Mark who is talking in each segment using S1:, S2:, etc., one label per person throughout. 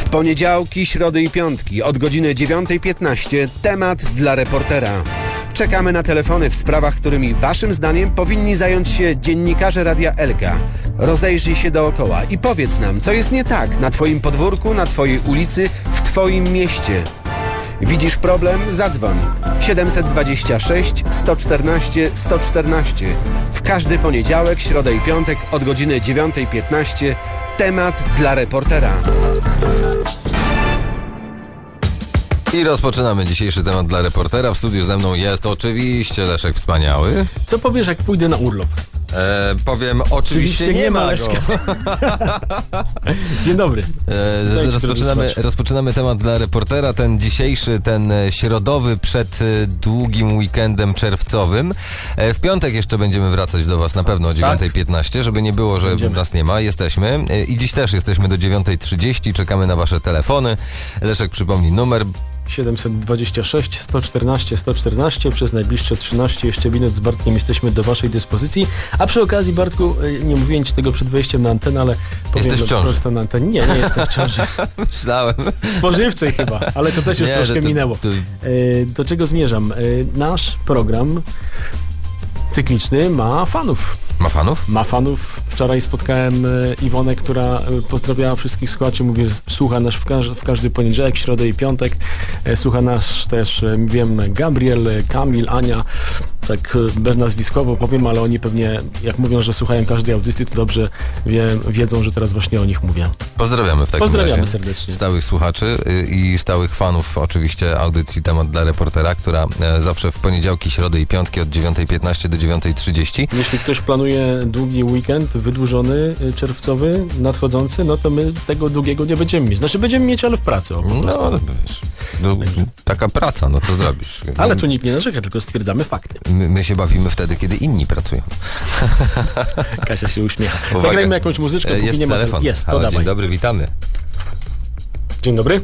S1: W poniedziałki, środy i piątki od godziny 9:15 temat dla reportera. Czekamy na telefony w sprawach, którymi waszym zdaniem powinni zająć się dziennikarze Radia Elka. Rozejrzyj się dookoła i powiedz nam, co jest nie tak na twoim podwórku, na twojej ulicy, w twoim mieście. Widzisz problem? Zadzwoń. 726 114 114. W każdy poniedziałek, środę i piątek od godziny 9:15 temat dla reportera.
S2: I rozpoczynamy dzisiejszy temat dla reportera. W studiu ze mną jest oczywiście Leszek Wspaniały.
S3: Co powiesz, jak pójdę na urlop?
S2: Powiem, oczywiście nie ma go.
S3: Dzień dobry.
S2: Rozpoczynamy temat dla reportera. Ten dzisiejszy, ten środowy przed długim weekendem czerwcowym. W piątek jeszcze będziemy wracać do was na pewno o 9:15, żeby nie było, że nas nie ma. Jesteśmy. I dziś też jesteśmy do 9:30. Czekamy na wasze telefony. Leszek, przypomnij numer.
S3: 726 114 114. Przez najbliższe 13 jeszcze minut z Bartkiem jesteśmy do waszej dyspozycji. A przy okazji, Bartku, nie mówiłem ci tego przed wejściem na antenę, ale powiem
S2: Jesteś w ciąży.
S3: prosto na antenie. Nie jestem w ciąży.
S2: Myślałem.
S3: Spożywczej chyba, ale to też już troszkę minęło. Do czego zmierzam? Nasz program cykliczny ma fanów.
S2: Ma fanów?
S3: Ma fanów. Wczoraj spotkałem Iwonę, która pozdrawiała wszystkich słuchaczy. Mówię, słucha nas w każdy poniedziałek, środę i piątek. Słucha nas też, wiem, Gabriel, Kamil, Ania. Tak beznazwiskowo powiem, ale oni pewnie, jak mówią, że słuchają każdej audycji, to dobrze wiedzą, że teraz właśnie o nich mówię.
S2: Pozdrawiamy w takim
S3: Pozdrawiamy
S2: razie
S3: serdecznie.
S2: Stałych słuchaczy i stałych fanów oczywiście audycji Temat dla reportera, która zawsze w poniedziałki, środy i piątki od 9:15 do 9:30.
S3: Jeśli ktoś planuje długi weekend, wydłużony, czerwcowy, nadchodzący, no to my tego długiego nie będziemy mieć. Znaczy będziemy mieć, ale w pracy.
S2: No, wiesz, taka praca, no co zrobisz?
S3: Ale tu nikt nie narzeka, tylko stwierdzamy fakty.
S2: My się bawimy wtedy, kiedy inni pracują.
S3: Kasia się uśmiecha.
S2: Uwaga.
S3: Zagrajmy jakąś muzyczkę, póki
S2: Jest
S3: nie ma...
S2: telefon.
S3: Jest, to
S2: Halo,
S3: dawaj.
S2: dzień dobry, witamy.
S3: Dzień dobry.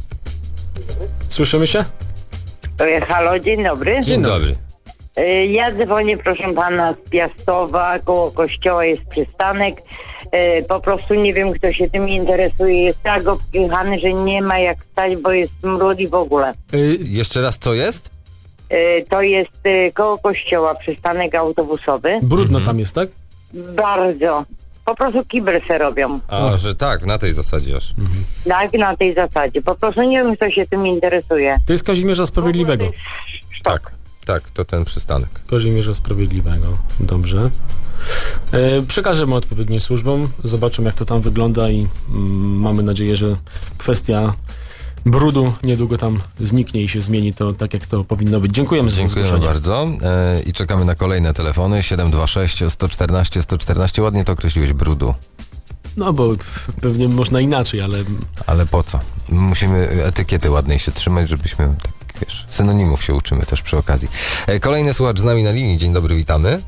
S3: Słyszymy się?
S4: Halo, dzień dobry.
S2: Dzień dobry.
S4: Ja dzwonię, proszę pana, z Piastowa, koło kościoła jest przystanek. Po prostu nie wiem, kto się tym interesuje. Jest tak obkichany, że nie ma jak stać, bo jest smród i w ogóle.
S2: Jeszcze raz, co jest?
S4: To jest koło kościoła przystanek autobusowy.
S3: Brudno tam jest, tak?
S4: Bardzo. Po prostu kibel se robią.
S2: A, że tak, na tej zasadzie aż.
S4: Tak, na tej zasadzie. Po prostu nie wiem, kto się tym interesuje.
S3: To jest Kazimierza Sprawiedliwego.
S2: Tak, to ten przystanek.
S3: Kazimierza Sprawiedliwego. Dobrze. Przekażemy odpowiednim służbom, zobaczymy, jak to tam wygląda i mamy nadzieję, że kwestia brudu niedługo tam zniknie i się zmieni to tak, jak to powinno być. Dziękujemy za
S2: Dziękujemy
S3: zgłoszenie.
S2: bardzo i czekamy na kolejne telefony. 726 114 114. Ładnie to określiłeś, brudu.
S3: No bo pewnie można inaczej, ale
S2: Ale po co? Musimy etykiety ładnej się trzymać, żebyśmy, tak wiesz, synonimów się uczymy też przy okazji. Kolejny słuchacz z nami na linii. Dzień dobry, witamy.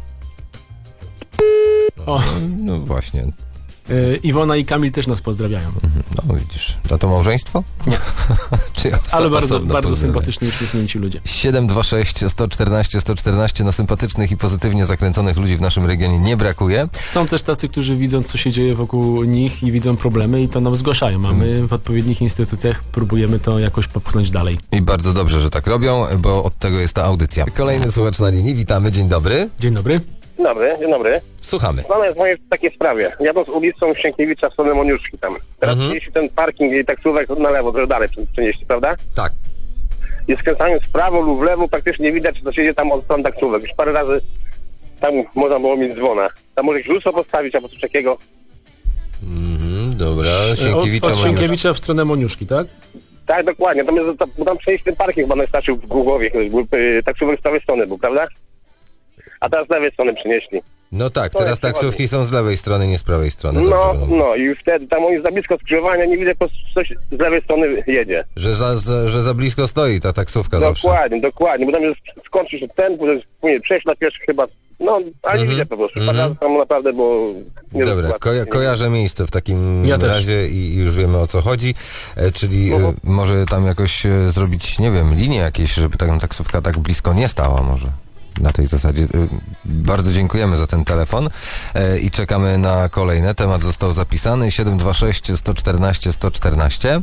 S3: O.
S2: No właśnie.
S3: Iwona i Kamil też nas pozdrawiają.
S2: No widzisz. A to małżeństwo?
S3: Nie.
S2: Czy
S3: Ale bardzo
S2: pozdrowienie?
S3: sympatyczni, uśmiechnięci ludzie.
S2: 726 114 114. No sympatycznych i pozytywnie zakręconych ludzi w naszym regionie nie brakuje.
S3: Są też tacy, którzy widzą, co się dzieje wokół nich i widzą problemy i to nam zgłaszają, a my w odpowiednich instytucjach próbujemy to jakoś popchnąć dalej.
S2: I bardzo dobrze, że tak robią, bo od tego jest ta audycja. Kolejny słuchacz na linii. Witamy. Dzień dobry.
S3: Dzień dobry.
S5: Dzień dobry.
S2: Słuchamy.
S5: Pana jest moje w takiej sprawie. Jadąc ulicą Sienkiewicza w stronę Moniuszki tam. Teraz jeśli ten parking i taksówek na lewo, trochę dalej przenieśli, prawda?
S2: Tak.
S5: I skręcając w prawo lub w lewo praktycznie nie widać, co się dzieje tam od stron taksówek. Już parę razy tam można było mieć dzwona. Tam może jakieś lustro postawić albo coś takiego.
S2: Dobra.
S3: Od Sienkiewicza w stronę Moniuszki, tak?
S5: Tak, dokładnie. Bo tam przenieść ten parking chyba najstarszy w Głogowie. Taksówek z prawej strony był, prawda? A teraz z lewej strony przenieśli.
S2: No tak,
S5: To
S2: teraz
S5: jest
S2: taksówki są z lewej strony, nie z prawej strony.
S5: No,
S2: Dobrze,
S5: no i wtedy tam oni za blisko skrzyżowania, nie widzę, po prostu coś z lewej strony jedzie.
S2: Że za blisko stoi ta taksówka zawsze.
S5: Dokładnie, bo tam jest skończyć ten, później przejść na pierwszy chyba, no, ale nie widzę po prostu. Tam naprawdę, bo... Nie
S2: Dobra, kojarzę miejsce w takim
S3: Ja
S2: razie i już wiemy, o co chodzi. Czyli może tam jakoś zrobić, nie wiem, linię jakieś, żeby ta taksówka tak blisko nie stała może. na tej zasadzie. Bardzo dziękujemy za ten telefon i czekamy na kolejne. Temat został zapisany 726 114 114.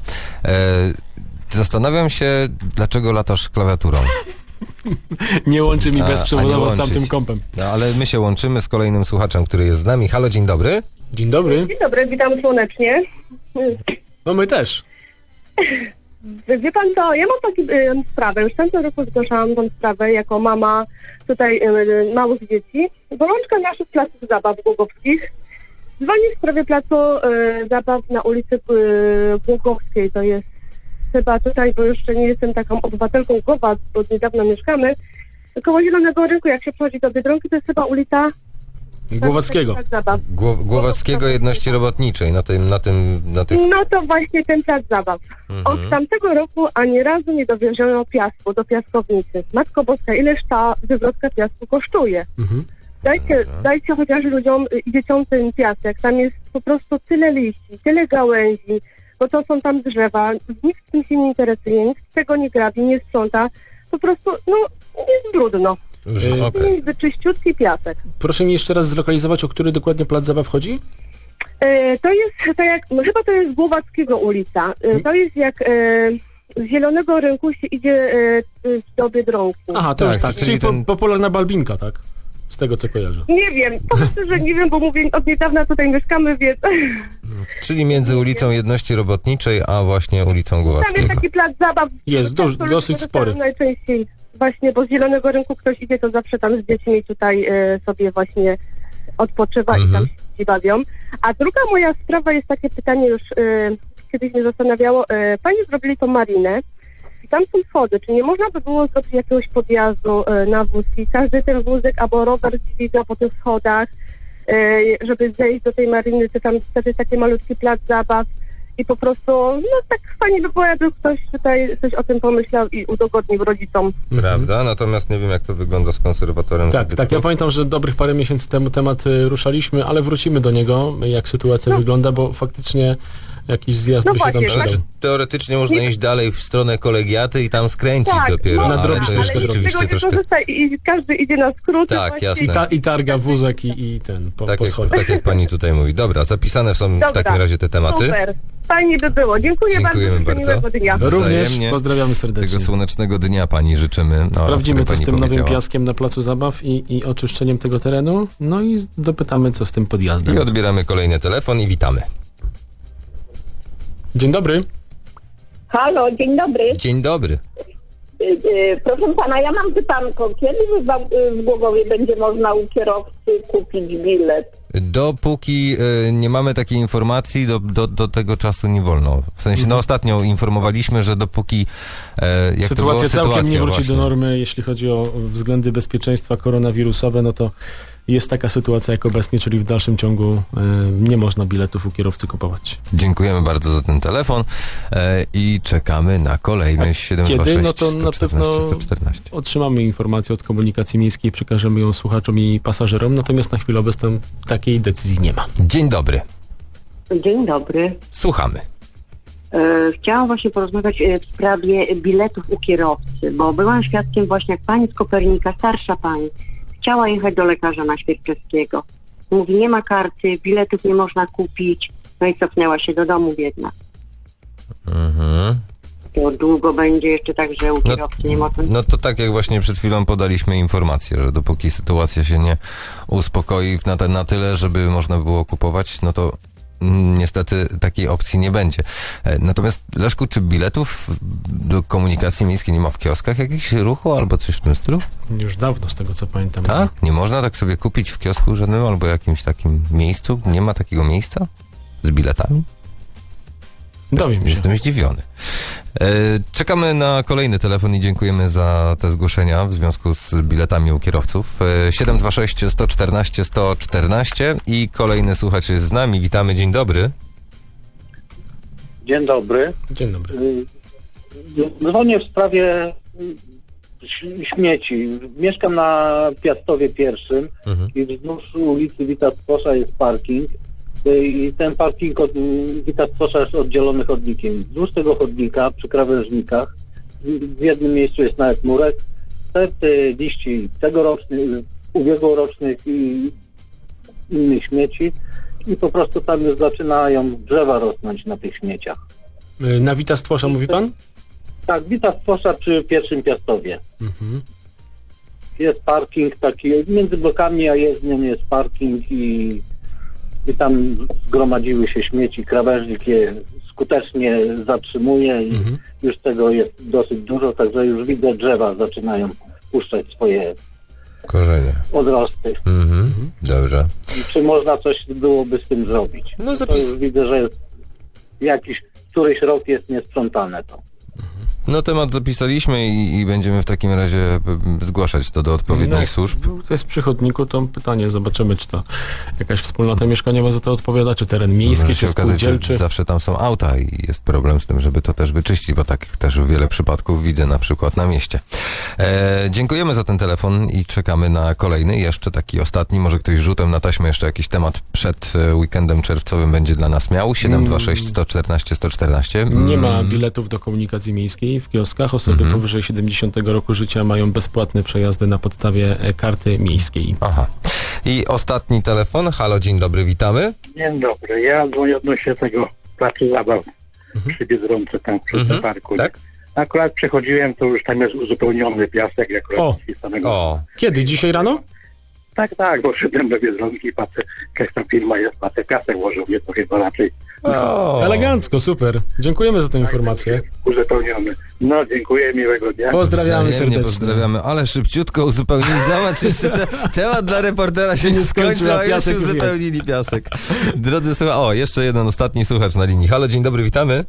S2: Zastanawiam się, dlaczego latasz klawiaturą.
S3: Nie łączy mi bezprzewodowo
S2: nie
S3: z tamtym
S2: łączyć.
S3: kompem.
S2: No, ale my się łączymy z kolejnym słuchaczem, który jest z nami. Halo, dzień dobry.
S3: Dzień dobry.
S6: Dzień dobry, witam słonecznie.
S3: No my też.
S6: Wie pan co, ja mam taką sprawę, już w tamtym roku zgłaszałam tą sprawę jako mama tutaj małych dzieci. Gorączka naszych placów zabaw głogowskich. Dzwonię w sprawie placu zabaw na ulicy Głogowskiej, to jest chyba tutaj, bo jeszcze nie jestem taką obywatelką Głowa, bo niedawno mieszkamy. Koło Zielonego Rynku, jak się przechodzi do Biedronki, to jest chyba ulica
S3: Głowackiego.
S6: Plac Zabaw.
S2: Głowackiego Jedności Robotniczej na tych...
S6: No to właśnie ten plac zabaw. Od tamtego roku ani razu nie dowieziono piasku do piaskownicy. Matko Boska, ileż ta wywrotka piasku kosztuje? Dajcie chociaż ludziom i dzieciom ten piasek. Tam jest po prostu tyle liści, tyle gałęzi, bo to są tam drzewa. Nikt tym się nie interesuje, nikt tego nie grabi, nie sprząta. Po prostu, jest brudno.
S2: Okej.
S6: Jest czyściutki piasek.
S3: Proszę mi jeszcze raz zlokalizować, o który dokładnie plac zabaw chodzi?
S6: To jest tak jak, chyba to jest Głowackiego ulica. To jest jak z Zielonego Rynku się idzie do Biedronki.
S3: Aha, to
S2: Tak,
S3: już tak.
S2: czyli
S3: Czyli
S2: ten-
S3: popularna Balbinka, tak? Z tego co kojarzę.
S6: Nie wiem, po prostu, że nie wiem, bo mówię, od niedawna tutaj mieszkamy, więc
S2: Czyli między ulicą Jedności Robotniczej, a właśnie ulicą
S6: tam jest
S2: Głowackiego.
S6: taki plac zabaw.
S3: Jest dosyć spory.
S6: Najczęściej właśnie, bo z Zielonego Rynku ktoś idzie, to zawsze tam z dziećmi tutaj sobie właśnie odpoczywa i tam się bawią. A druga moja sprawa jest takie pytanie, już kiedyś mnie zastanawiało. Pani zrobili tą marinę i tam są schody. Czy nie można by było zrobić jakiegoś podjazdu na wóz i każdy ten wózek albo rower dźwiga po tych schodach, żeby zejść do tej mariny, to tam też jest taki malutki plac zabaw i po prostu, tak fajnie by było, jakby ktoś tutaj coś o tym pomyślał i udogodnił rodzicom.
S2: Prawda? Natomiast nie wiem, jak to wygląda z konserwatorem
S3: Tak,
S2: zabytków.
S3: ja pamiętam, że dobrych parę miesięcy temu temat ruszaliśmy, ale wrócimy do niego, jak sytuacja wygląda, bo faktycznie jakiś zjazd
S6: No
S3: by się tam
S6: właśnie,
S3: przydał.
S2: Znaczy, teoretycznie można iść dalej w stronę kolegiaty i tam skręcić dopiero,
S3: można,
S2: ale
S3: nadrobić
S2: to
S3: też
S2: jest
S3: to
S6: ale
S2: rzeczywiście
S6: z tego nie
S2: troszkę...
S6: korzysta i każdy idzie na skróty.
S2: Tak,
S6: właśnie.
S2: jasne.
S3: I targa wózek i ten po schodach.
S2: Tak jak pani tutaj mówi. Dobra, zapisane są w
S6: Dobra,
S2: takim razie te tematy.
S6: Super. Fajnie by było. Dziękujemy
S2: Dziękujemy
S6: bardzo.
S2: bardzo.
S6: Miłego dnia.
S3: Również
S2: Wzajemnie.
S3: pozdrawiamy serdecznie.
S2: Tego słonecznego dnia pani życzymy.
S3: Sprawdzimy,
S2: o
S3: co
S2: którym
S3: z
S2: pani
S3: tym nowym
S2: powiedziała.
S3: piaskiem na placu zabaw i oczyszczeniem tego terenu. No i dopytamy, co z tym podjazdem.
S2: I odbieramy kolejny telefon i witamy.
S3: Dzień dobry.
S7: Halo, dzień dobry.
S2: Dzień dobry.
S7: Proszę pana, ja mam pytanko. Kiedy w Głogowie będzie można u kierowcy kupić bilet?
S2: Dopóki nie mamy takiej informacji, do tego czasu nie wolno. W sensie, ostatnio informowaliśmy, że dopóki jak
S3: Sytuacja
S2: to było,
S3: całkiem nie wróci
S2: właśnie.
S3: do normy, jeśli chodzi o względy bezpieczeństwa koronawirusowe, no to jest taka sytuacja jak obecnie, czyli w dalszym ciągu nie można biletów u kierowcy kupować.
S2: Dziękujemy bardzo za ten telefon i czekamy na kolejny 726
S3: Kiedy? No to na
S2: 114
S3: pewno
S2: 114.
S3: otrzymamy informację od komunikacji miejskiej, przekażemy ją słuchaczom i pasażerom, natomiast na chwilę obecną takiej decyzji nie ma.
S2: Dzień dobry.
S4: Dzień dobry.
S2: Słuchamy.
S4: Chciałam właśnie porozmawiać w sprawie biletów u kierowcy, bo byłam świadkiem właśnie jak pani z Kopernika, starsza pani, chciała jechać do lekarza na Świerczewskiego. Mówi, nie ma karty, biletów nie można kupić, no i cofnęła się do domu biedna. To długo będzie jeszcze tak, że u kierowcy nie można...
S2: No to tak jak właśnie przed chwilą podaliśmy informację, że dopóki sytuacja się nie uspokoi na tyle, żeby można było kupować, no to niestety takiej opcji nie będzie. Natomiast Leszku, czy biletów do komunikacji miejskiej nie ma w kioskach jakichś ruchu albo coś w tym stylu?
S3: Już dawno, z tego co pamiętam.
S2: Tak? Nie można tak sobie kupić w kiosku żadnym albo jakimś takim miejscu? Nie ma takiego miejsca z biletami?
S3: Dowiem się.
S2: Jestem zdziwiony. Czekamy na kolejny telefon i dziękujemy za te zgłoszenia w związku z biletami u kierowców. 726 114 114 i kolejny słuchacz jest z nami. Witamy, dzień dobry.
S8: Dzień dobry.
S3: Dzień dobry.
S8: Dzwonię w sprawie śmieci. Mieszkam na Piastowie pierwszym i wzdłuż ulicy Witacposza jest parking i ten parking od Witacposza jest oddzielony chodnikiem. Wzdłuż tego chodnika przy krawężnikach w jednym miejscu jest nawet murek, sterty liści tegorocznych, ubiegłorocznych i innych śmieci i po prostu tam już zaczynają drzewa rosnąć na tych śmieciach.
S3: Na Wita Stwosza mówi pan?
S8: Tak, Wita Stwosza przy pierwszym Piastowie. Jest parking taki, między blokami a jezdnią jest parking i tam zgromadziły się śmieci, krawężnik je skutecznie zatrzymuje i już tego jest dosyć dużo, także już widzę, drzewa zaczynają puszczać swoje
S2: Korzenie.
S8: odrosty.
S2: Dobrze.
S8: I czy można coś byłoby z tym zrobić?
S2: No
S8: To już widzę, że któryś rok jest niesprzątane to.
S2: No temat zapisaliśmy i będziemy w takim razie zgłaszać to do odpowiednich służb.
S3: To jest przy chodniku, to pytanie, zobaczymy, czy to jakaś wspólnota mieszkaniowa za to odpowiada, czy teren miejski,
S2: Może
S3: czy
S2: się okazać, że
S3: spółdzielczy.
S2: zawsze tam są auta i jest problem z tym, żeby to też wyczyścić, bo tak też wiele przypadków widzę na przykład na mieście. Dziękujemy za ten telefon i czekamy na kolejny, jeszcze taki ostatni, może ktoś rzutem na taśmę jeszcze jakiś temat przed weekendem czerwcowym będzie dla nas miał. 726 114 114.
S3: Nie ma biletów do komunikacji miejskiej w kioskach. Osoby powyżej 70 roku życia mają bezpłatne przejazdy na podstawie karty miejskiej.
S2: Aha. I ostatni telefon. Halo, dzień dobry, witamy.
S9: Dzień dobry, ja dzwonię odnośnie tego placu zabaw przy Biedronce, tam przy parku.
S2: Tak?
S9: Akurat przechodziłem, to już tam jest uzupełniony piasek, akurat z samego...
S2: O,
S3: Kiedy? Dzisiaj rano?
S9: Tak, bo szedłem do Biedronki i patrzę, jakaś tam firma jest, patrzę, piasek włożył mnie, to chyba raczej
S3: Elegancko, super. Dziękujemy za tę informację.
S9: uzupełniony. No, dziękuję, miłego dnia.
S3: Pozdrawiamy
S2: wzajemnie
S3: serdecznie.
S2: pozdrawiamy, ale szybciutko uzupełnili. Zobacz, jeszcze temat dla reportera się nie skończył, a już
S3: piasek już
S2: uzupełnili piasek. Drodzy słuchacze, jeszcze jeden ostatni słuchacz na linii. Halo, dzień dobry, witamy.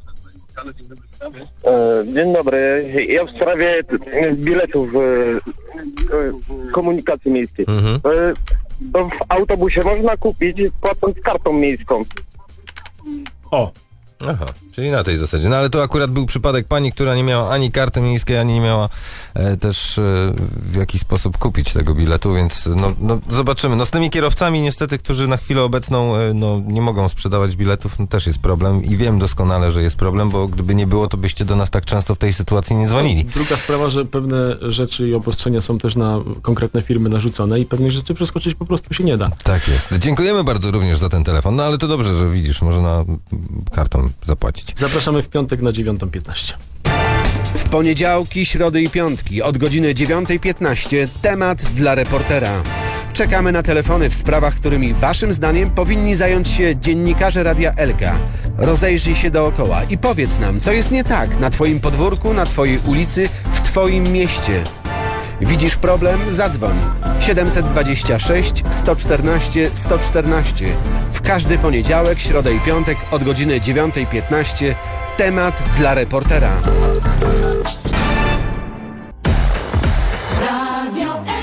S5: Dzień dobry. Ja w sprawie biletów komunikacji miejskiej. To w autobusie można kupić płacąc kartą miejską.
S3: O,
S2: Aha, czyli na tej zasadzie. No ale to akurat był przypadek pani, która nie miała ani karty miejskiej, ani nie miała też w jakiś sposób kupić tego biletu, więc no zobaczymy. No z tymi kierowcami niestety, którzy na chwilę obecną nie mogą sprzedawać biletów, no też jest problem i wiem doskonale, że jest problem, bo gdyby nie było, to byście do nas tak często w tej sytuacji nie dzwonili.
S3: druga sprawa, że pewne rzeczy i obostrzenia są też na konkretne firmy narzucone i pewnych rzeczy przeskoczyć po prostu się nie da.
S2: Tak jest. Dziękujemy bardzo również za ten telefon, no ale to dobrze, że widzisz, można kartą zapłacić.
S3: Zapraszamy w piątek na 9:15.
S1: W poniedziałki, środy i piątki od godziny 9:15 temat dla reportera. Czekamy na telefony w sprawach, którymi waszym zdaniem powinni zająć się dziennikarze Radia Elka. Rozejrzyj się dookoła i powiedz nam, co jest nie tak na twoim podwórku, na twojej ulicy, w twoim mieście. Widzisz problem? Zadzwoń. 726 114 114. W każdy poniedziałek, środę i piątek od godziny 9:15 temat dla reportera.
S10: Radio